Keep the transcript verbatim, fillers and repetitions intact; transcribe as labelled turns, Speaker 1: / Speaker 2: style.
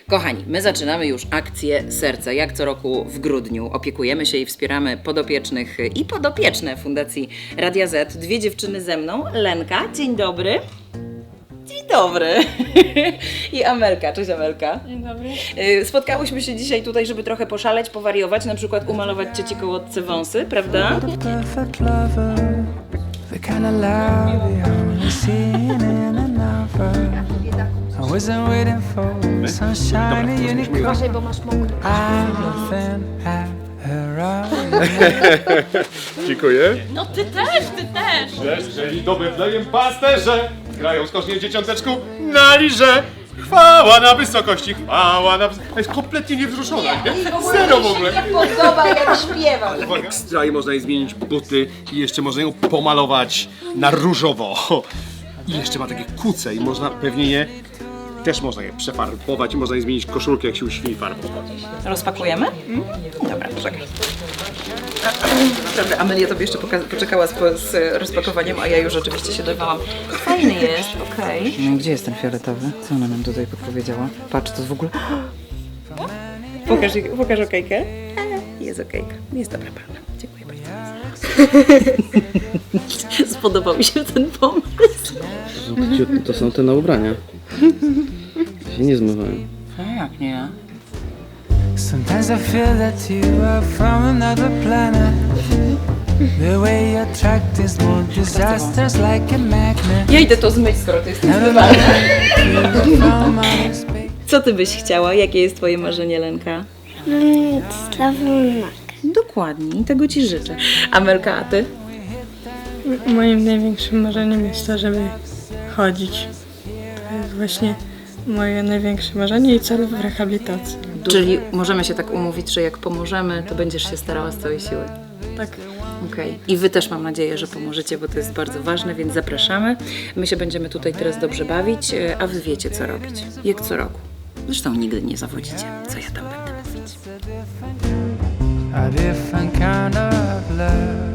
Speaker 1: Kochani, my zaczynamy już akcję Serce. Jak co roku w grudniu opiekujemy się i wspieramy podopiecznych i podopieczne Fundacji Radia Z. Dwie dziewczyny ze mną. Lenka, dzień dobry. Dzień dobry. I Amelka. Cześć Amelka.
Speaker 2: Dzień dobry.
Speaker 1: Spotkałyśmy się dzisiaj tutaj, żeby trochę poszaleć, powariować, na przykład umalować cieci kołodce wąsy, prawda?
Speaker 2: Uważaj, bo masz mokry.
Speaker 3: Dziękuję.
Speaker 2: No ty też, ty też.
Speaker 3: Jeżeli do Betlejem pasterze grają skocznie dzieciąteczku na lirze. Chwała na wysokości, chwała na wysokości. Jest kompletnie niewzruszona, nie? Zero w ogóle.
Speaker 1: Podoba, jak śpiewam.
Speaker 3: Ekstra i można jej zmienić buty i jeszcze można ją pomalować na różowo. I jeszcze ma takie kuce i można pewnie je, też można je przefarbować i można jej zmienić koszulkę, jak się uśni farbować.
Speaker 1: Rozpakujemy? Dobra, poczekaj. Dobra, Amelia tobie jeszcze poka- poczekała z, z rozpakowaniem, a ja już oczywiście się dawałam. Fajny jest, okej. Okay. No, gdzie jest ten fioletowy? Co ona nam tutaj podpowiedziała? Patrz, to w ogóle... Pokaż, pokaż okejkę. Jest okejka. Jest dobra pana. Dziękuję bardzo. Spodobał mi się ten pomysł.
Speaker 4: To są te na ubrania. Się nie zmywają.
Speaker 1: A jak nie?
Speaker 5: Sometimes I feel that you are from another planet. The way you attract is more disasters like a magnet.
Speaker 1: Ja idę to zmyć, skoro to jest zmywane. Co ty byś chciała? Jakie jest twoje marzenie, Lenka?
Speaker 6: Sławunek.
Speaker 1: Dokładnie, i tego ci życzę. Amelka, a ty?
Speaker 2: Moim największym marzeniem jest to, żeby chodzić. To jest właśnie moje największe marzenie i cel w rehabilitacji.
Speaker 1: Czyli możemy się tak umówić, że jak pomożemy, to będziesz się starała z całej siły.
Speaker 2: Tak.
Speaker 1: Okej. Okay. I wy też mam nadzieję, że pomożecie, bo to jest bardzo ważne, więc zapraszamy. My się będziemy tutaj teraz dobrze bawić, a wy wiecie, co robić. Jak co roku. Zresztą nigdy nie zawodzicie, co ja tam będę mówić.
Speaker 5: A different kind of love.